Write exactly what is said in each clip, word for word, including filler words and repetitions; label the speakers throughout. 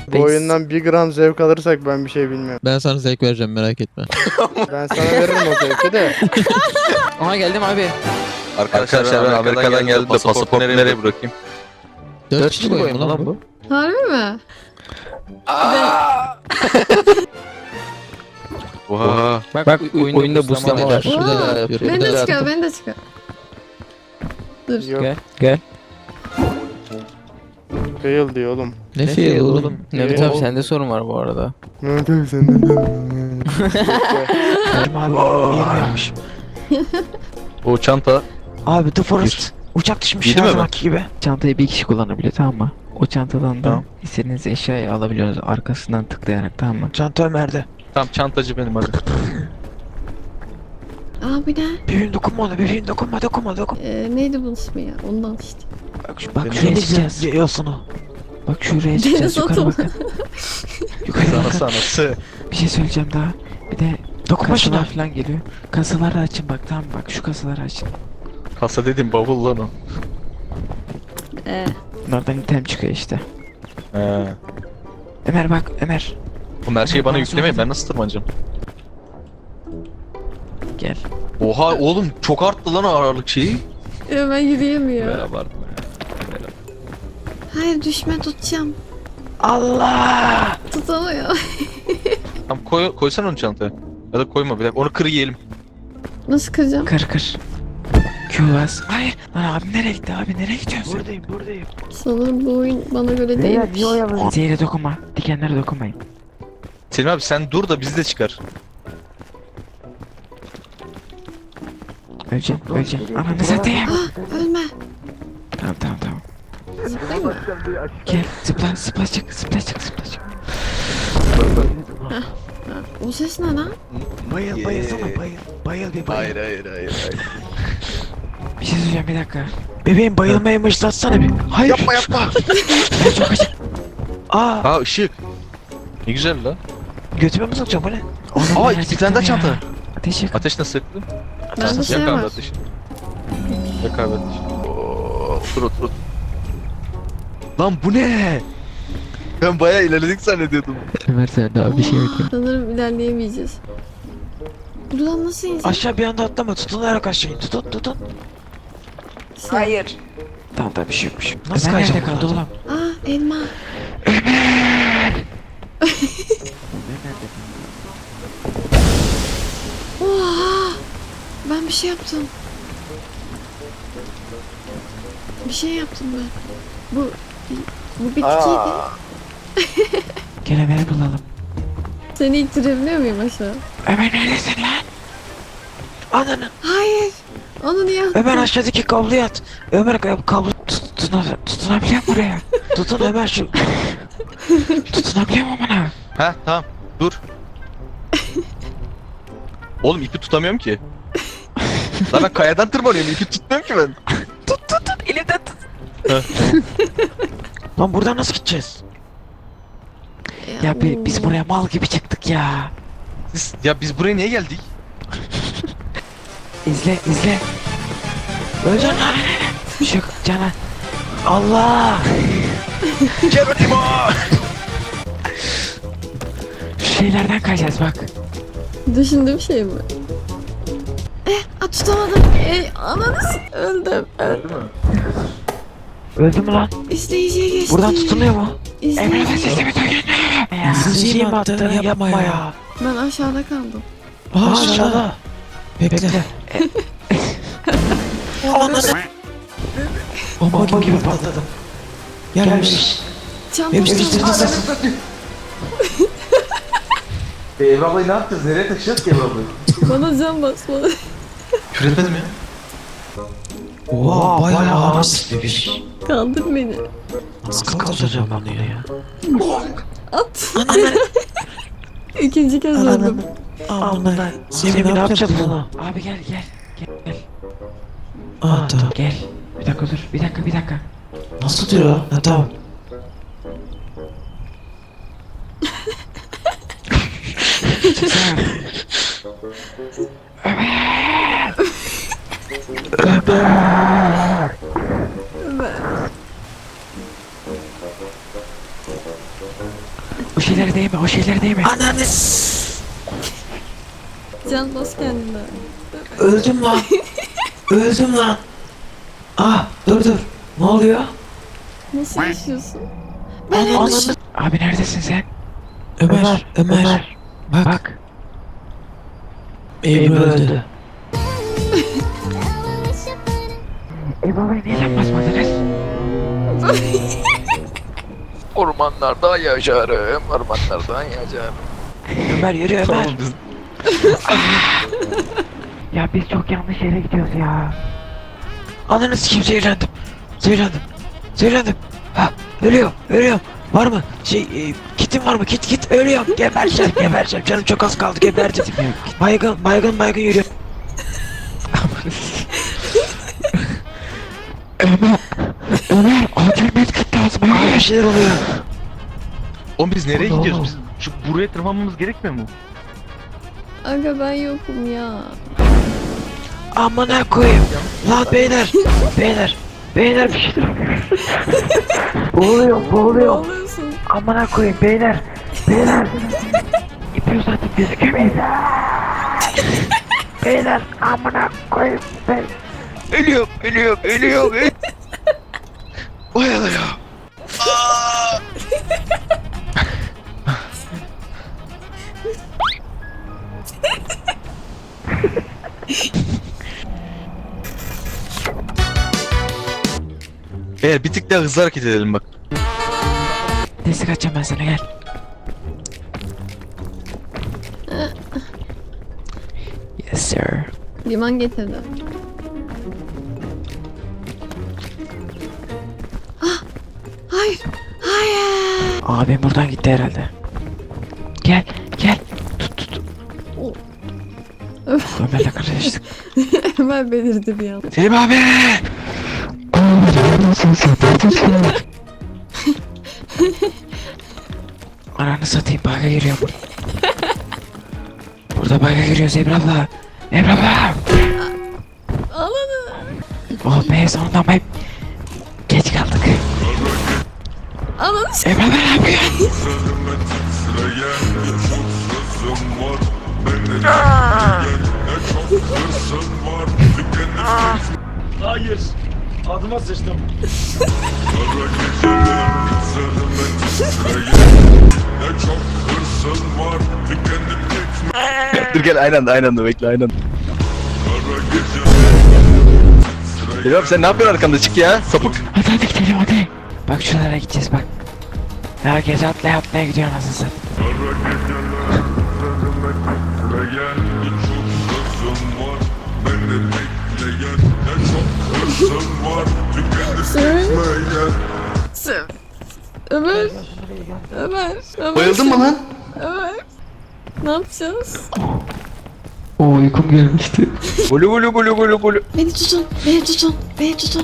Speaker 1: Bu oyundan bir gram zevk alırsak ben bir şey bilmiyorum.
Speaker 2: Ben sana zevk vereceğim, merak etme.
Speaker 1: Ben sana veririm o zevki de.
Speaker 3: Aha geldim abi.
Speaker 4: Arkadaşlar ben Amerika'dan geldim de pasaportu nereye bırakayım?
Speaker 2: Dört kişi boyu mu lan bu?
Speaker 5: Harbi mi?
Speaker 4: Oha.
Speaker 3: Bak,
Speaker 6: Bak,
Speaker 3: oyunda,
Speaker 6: oyunda
Speaker 3: booslama
Speaker 6: booslama
Speaker 3: var.
Speaker 6: var.
Speaker 2: Şurada da
Speaker 5: Oo,
Speaker 2: yapıyor.
Speaker 5: beni
Speaker 2: Şurada
Speaker 5: de
Speaker 2: da
Speaker 5: çıkar,
Speaker 2: yapıyor.
Speaker 5: beni de çıkar. Dur.
Speaker 1: Yok.
Speaker 3: Gel.
Speaker 6: Gel.
Speaker 1: Fail diyor oğlum.
Speaker 2: Ne fail oğlum?
Speaker 3: Mehmet
Speaker 1: Ee,
Speaker 3: abi
Speaker 1: o-
Speaker 3: sende sorun var bu arada.
Speaker 1: Mehmet abi senden de.
Speaker 6: Abi yeni yapmış.
Speaker 4: O çanta.
Speaker 6: Abi The Forest. Uçak düşmüş
Speaker 4: Yedi
Speaker 6: her
Speaker 4: mi
Speaker 6: zamanki gibi.
Speaker 7: Çantayı bir kişi kullanabiliyor, tamam mı? O çantadan da
Speaker 4: Tamam.
Speaker 7: istediğiniz eşyayı alabiliyorsunuz arkasından tıklayarak, tamam mı?
Speaker 6: Çanta Ömer'de.
Speaker 4: Tam çantacı benim hadi.
Speaker 5: Aa bu ne?
Speaker 6: Bebeğim dokunma ona, bebeğim dokunma, dokunma, dokunma.
Speaker 5: Ee, neydi bunun ismi ya? Ondan işte.
Speaker 6: Bak, şu, bak
Speaker 4: Benim
Speaker 6: şuraya
Speaker 7: deniz
Speaker 6: çıkacağız. Yiyorsun o.
Speaker 7: Bak şuraya çıkacağız,
Speaker 5: Deniz
Speaker 7: yukarı
Speaker 5: atı.
Speaker 7: bakın. Yukarı
Speaker 4: Sana
Speaker 7: bakın.
Speaker 4: sanası.
Speaker 7: Bir şey söyleyeceğim daha. Bir de
Speaker 6: Dokunma şuna.
Speaker 7: kasalar falan geliyor. Kasaları açın bak, tamam mı? Bak şu kasaları açın.
Speaker 4: Kasa dedim bavul lan o.
Speaker 5: Ee,
Speaker 7: Bunlardan item çıkıyor işte.
Speaker 4: He.
Speaker 7: Ömer bak, Ömer.
Speaker 4: Oğlum her şeyi bana yüklemeyin, ben nasıl tırmanacağım?
Speaker 7: Gel.
Speaker 4: Oha oğlum çok arttı lan ağırlık şeyi.
Speaker 5: ya ben yürüyemiyorum.
Speaker 4: Merhaba.
Speaker 5: Hayır düşme, tutacağım.
Speaker 6: Allah!
Speaker 5: Tutamıyor.
Speaker 4: Tamam koy, koysan onu çantaya. Ya da koyma bir dakika onu kır yiyelim.
Speaker 5: Nasıl kıracağım?
Speaker 7: Kır kır. Q bas. Hayır. Lan abi nereye gitti abi, nereye gidiyorsun?
Speaker 6: Buradayım, buradayım.
Speaker 5: Sanırım bu oyun bana göre değilmiş.
Speaker 7: Zehre dokunma. Dikenlere dokunmayın.
Speaker 4: Selim abi sen dur da bizi de çıkar.
Speaker 7: Öleceğim, öleceğim. Ananı satayım.
Speaker 5: Ah ölme.
Speaker 7: Tamam tamam tamam.
Speaker 5: Zıplayayım mı?
Speaker 7: Gel zıpla zıpla çık zıpla çık zıpla çık.
Speaker 5: Ha, o ses ne lan?
Speaker 6: Bayıl, bayılsana, bayıl. Bayıl bir bayıl.
Speaker 4: hayır hayır hayır.
Speaker 7: Bir şey söyleyeceğim, bir dakika.
Speaker 6: Bebeğim bayılmayı mıhlatsana bir. Hayır.
Speaker 4: Yapma yapma.
Speaker 6: Ben çok acı. Aa,
Speaker 4: Aa ışık. Ne güzel lan.
Speaker 6: götüme mi sokacağım bu ne?
Speaker 7: Oğlum
Speaker 4: Aa
Speaker 7: ben
Speaker 4: iki tane daha
Speaker 7: acıktım
Speaker 4: çanta.
Speaker 7: ya. Ateş yakın.
Speaker 4: Ateş nasıl yaktın?
Speaker 5: Bende şey
Speaker 4: Yak abi
Speaker 5: var.
Speaker 4: ateşi. Yak abi ateşi. Oo, otur otur otur. Lan bu ne? Ben bayağı ilerledik zannediyordum.
Speaker 7: Ömer sen daha bir şey yok.
Speaker 5: Sanırım ilerleyemeyeceğiz. Buradan nasıl ineceğiz?
Speaker 6: Aşağı bir anda atlama, tutunarak aşağı in. Tutun, tutun.
Speaker 5: Hayır.
Speaker 7: Tamam da bir şey yokmuş.
Speaker 6: Nasıl
Speaker 7: Ömer nerede
Speaker 6: kayacağım
Speaker 7: kaldı
Speaker 6: buradan?
Speaker 7: oğlum?
Speaker 5: Aa elma. Oha! Ben bir şey yaptım. Bir şey yaptım ben. Bu bu bitkiydi.
Speaker 7: Gel Ömer'i bulalım.
Speaker 5: Seni ittirebiliyor muyum aşağı?
Speaker 7: Ömer neredesin lan?
Speaker 6: Ananı.
Speaker 5: Hayır. Onu niye attın?
Speaker 6: Ömer aşağıdaki kabloyu at. Ömer kab- kablo tut, tutuna, tutunabiliyor mu buraya? Tutun Ömer şu.
Speaker 7: Tutunabiliyor mu bana?
Speaker 4: Ha tamam dur. Oğlum ipi tutamıyorum ki. Lan ben kayadan tırmanıyorum ipi tutmuyorum ki ben.
Speaker 6: Elimden tut. Lan buradan nasıl gideceğiz?
Speaker 7: Ya bi- biz buraya mal gibi çıktık ya.
Speaker 4: Siz, ya biz buraya niye geldik?
Speaker 7: İzle izle.
Speaker 6: Öleceksin lan.
Speaker 7: Şu Canan.
Speaker 6: Allah!
Speaker 4: Geronimo!
Speaker 7: Şu şeylerden kayacağız bak.
Speaker 5: Düşündüğüm şey mi? Eh, a, tutamadım. Eh, ananı s- öldüm. öldüm.
Speaker 6: Öldü mü lan?
Speaker 5: İzleyiciye geçti.
Speaker 6: Buradan tutunuyor mu?
Speaker 7: Emre
Speaker 5: İzleyici.
Speaker 7: sesimi duydun mu? Ya.
Speaker 6: Sesimi attı, yapma ya.
Speaker 5: Ben aşağıda kaldım.
Speaker 6: Aa, aşağıda.
Speaker 7: Bekle.
Speaker 6: Ananı.
Speaker 7: Bomba gibi patladım. Gelmiş.
Speaker 5: Çantam çantam.
Speaker 4: Ev ablayı ne yapacağız? Nereye taşıyacağız ki ev ablayı?
Speaker 5: Bana can bas bana.
Speaker 4: Küfür etmedim ya.
Speaker 6: Oha, bayağı ağır bebiş.
Speaker 5: Kaldır beni.
Speaker 6: Nasıl kaldıracağım ben bunu ya?
Speaker 5: At. İkinci kez öldüm.
Speaker 6: Amına. Semih ne yapacağız bunu?
Speaker 7: Abi gel gel. Gel gel.
Speaker 6: Aa, tamam.
Speaker 7: Gel. Bir dakika dur. Bir dakika bir dakika.
Speaker 6: Nasıl diyor? Ha, tamam.
Speaker 7: Çıksana.
Speaker 6: şeylere değme, o şeylere değme.
Speaker 7: Ananı
Speaker 5: Can bas kendine.
Speaker 7: öldüm lan. Öldüm lan. Ah dur dur. Ne oluyor?
Speaker 5: Nasıl yaşıyorsun?
Speaker 7: Ananı
Speaker 6: Abi neredesin sen?
Speaker 7: Ömer, Ömer. Bak,
Speaker 6: Bak.
Speaker 7: Ebru öldü.
Speaker 6: E babayı niye basmadınız?
Speaker 4: Ormanlarda yaşarım, ormanlarda yaşarım.
Speaker 6: Ömer yürü Ömer.
Speaker 4: Tamam biz.
Speaker 6: Ya biz çok yanlış yere gidiyoruz ya.
Speaker 7: Ananı sikeyim zehirlendim. Zehirlendim. Zehirlendim. Ha, ölüyorum, ölüyorum. Var mı? Şey, e, kitim var mı? Kit, kit. Ölüyorum. Gebereceğim, gebereceğim. Canım çok az kaldı. Gebereceğim. Baygın, baygın, baygın yürüyor.
Speaker 6: Ömer acil medkit lazım.
Speaker 7: Abi bir şeyler oluyor.
Speaker 4: Oğlum biz nereye
Speaker 6: Oğlum.
Speaker 4: gidiyoruz biz? Şu buraya tırmanmamız gerekmiyor mu?
Speaker 5: Aga ben yokum ya.
Speaker 7: Amına koyayım. Lan beyler, beyler. Beyler bir şeyler oluyor.
Speaker 6: Boğuluyor,
Speaker 5: Ne
Speaker 6: boğuluyor.
Speaker 5: oluyorsun?
Speaker 6: Amına koyayım beyler. Beyler. İpi uzatıp gözükemeyiz. Beyler amına koyayım. Beyler.
Speaker 7: Ölüyorum, ölüyorum, ölüyorum. ölüyorum. Vay Allah ya.
Speaker 4: Eğer bir tık daha hızlı hareket edelim bak.
Speaker 6: Destek atacağım ben sana gel. Yes sir.
Speaker 5: Liman getirdi. Ah! Hayır! Hayır!
Speaker 6: Abim buradan gitti herhalde. Gel gel. Tut tut.
Speaker 5: Oh.
Speaker 6: Ömer'le karıştık.
Speaker 5: Hemen belirdi bir an.
Speaker 7: Selim abi.
Speaker 6: Ananı satayım baga giriyor burada. Burada baga giriyoruz Ebru abla. Ebru abla.
Speaker 5: Alanı!
Speaker 6: Oh be sonunda bay. Geç kaldık.
Speaker 5: Alanı!
Speaker 6: Ebru abla ne yapıyor?
Speaker 8: Hayır. Adıma sıçtım.
Speaker 4: Dur gel aynı anda aynı anda bekle aynı anda. Selim abi sen ne yapıyorsun arkamda çık ya sapık.
Speaker 6: Hadi hadi gidelim hadi. Bak şuralara gideceğiz bak. Herkes atlaya atlaya gidiyor nasıl satayım.
Speaker 5: Sır! Sır! Ömer! Ömer! Ömer!
Speaker 4: Bayıldın mı lan?
Speaker 5: Ömer! Ne yapacağız?
Speaker 6: Oo uykum gelmişti.
Speaker 4: Gulu gulu gulu gulu gulu.
Speaker 5: Beni tutun! Beni tutun! Beni tutun!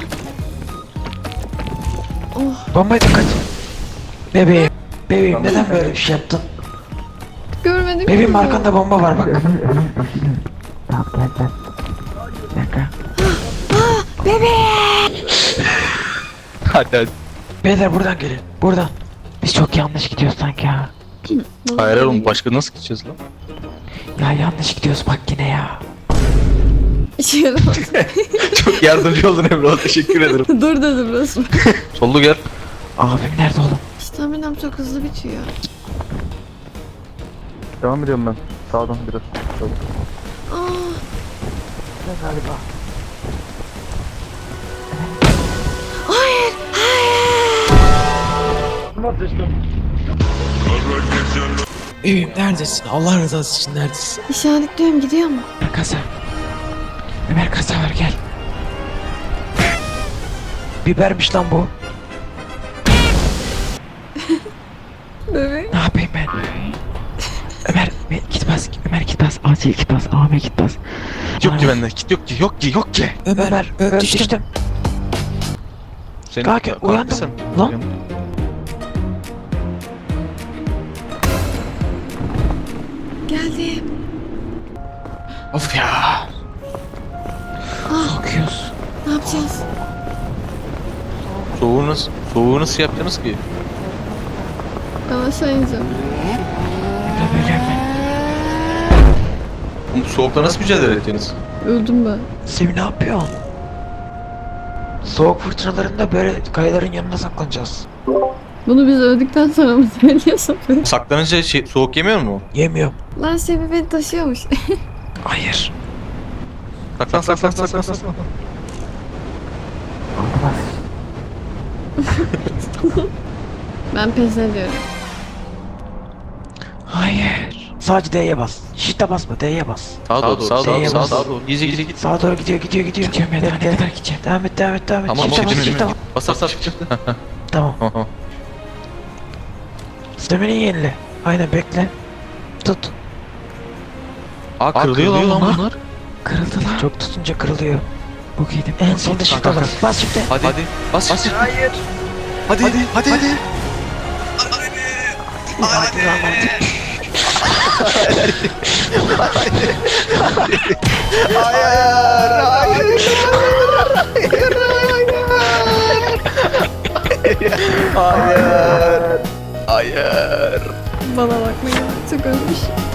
Speaker 5: Oh!
Speaker 6: Bombayı da kaç. Bebeğim. Bebeğim neden böyle bir şey yaptın?
Speaker 5: Görmedim
Speaker 6: Bebeğim
Speaker 5: ki.
Speaker 6: arkanda bomba var bak. Tamam gel gel. Bir dakika.
Speaker 4: Hadi hadi.
Speaker 6: Beyler buradan gelin. Buradan. Biz çok yanlış gidiyoruz sanki ha.
Speaker 5: Nasıl
Speaker 4: Hayır
Speaker 5: böyle
Speaker 4: oğlum başka nasıl gideceğiz lan?
Speaker 6: Ya yanlış gidiyoruz bak yine ya.
Speaker 5: İşe yaramadı.
Speaker 4: Çok yardımcı oldun Emre teşekkür ederim.
Speaker 5: Dur dedim resmen.
Speaker 4: Sollu gel.
Speaker 6: Abim nerede oğlum?
Speaker 5: Staminam çok hızlı bitiyor.
Speaker 4: Devam ediyorum ben. Sağdan biraz.
Speaker 5: Aa!
Speaker 6: Galiba.
Speaker 5: Hayır! Hayır!
Speaker 8: Adıma sıçtım.
Speaker 7: Bebeğim neredesin? Allah rızası için neredesin?
Speaker 5: İşaretliyorum gidiyor mu?
Speaker 6: Ömer kasa. Ömer kasa var gel.
Speaker 7: Bibermiş lan bu.
Speaker 5: Bebek.
Speaker 6: Ne yapayım ben? Ömer Ömer, git bas. Ömer git bas. Acil git bas. Ahmet git bas.
Speaker 4: Yok ki bende. Kit yok ki yok ki yok ki.
Speaker 7: Ömer,
Speaker 6: Ömer,
Speaker 7: ö-
Speaker 6: Ömer
Speaker 7: düştüm.
Speaker 6: düştüm.
Speaker 4: Sen
Speaker 6: Kanka, uyandım.
Speaker 4: sen.
Speaker 6: Lan.
Speaker 4: Uyan.
Speaker 5: Geldim.
Speaker 7: Of ya.
Speaker 5: Ah!
Speaker 6: Bakıyoruz.
Speaker 5: Ne yapacağız?
Speaker 4: Soğuğu nasıl, soğuğu nasıl yapacaksınız ki?
Speaker 5: Ben aşağı ineceğim.
Speaker 7: Tabii öyle mi?
Speaker 4: Bu soğukta nasıl mücadele ettiniz?
Speaker 5: Öldüm ben.
Speaker 7: Sevi ne yapıyorsun? Soğuk fırtınalarında böyle kayaların yanına saklanacağız.
Speaker 5: Bunu biz öldükten sonra mı söylüyorsun?
Speaker 4: Saklanınca şey, soğuk yemiyor mu?
Speaker 7: Yemiyorum.
Speaker 5: Lan Sevi beni taşıyormuş.
Speaker 7: Hayır.
Speaker 4: Saklan saklan saklan saklan.
Speaker 5: Ben pes ediyorum.
Speaker 7: Hayır. Sadece D'ye bas. Shift'e basma, D'ye bas.
Speaker 4: Sağa doğru sağa doğru
Speaker 7: D'ye
Speaker 4: sağa
Speaker 7: bas.
Speaker 4: doğru. Gizli gizli git.
Speaker 7: Sağa doğru gidiyor, gidiyor, gidiyor. Gidiyorum ya, ne kadar gideceğim. Devam et, devam et, devam et.
Speaker 4: Tamam
Speaker 7: Shift'e bas,
Speaker 4: şimdi
Speaker 7: shift'e
Speaker 4: mi?
Speaker 7: bas.
Speaker 4: Bas bas bas.
Speaker 7: Tamam.
Speaker 4: Tamam.
Speaker 7: Stamina yenile. Aynen bekle. Tut.
Speaker 4: Aa kırılıyor lan bunlar.
Speaker 7: Kırıldı lan. Çok tutunca kırılıyor. Bu giydim. En sonunda shift'e bas. Bas shift'e.
Speaker 4: Hadi hadi. Bas bas. Hayır. Hadi hadi hadi. hadi.
Speaker 7: Hadi lan hadi.
Speaker 4: Hayır. Hayır.
Speaker 5: Bana bakmayın. Çok ölmüş.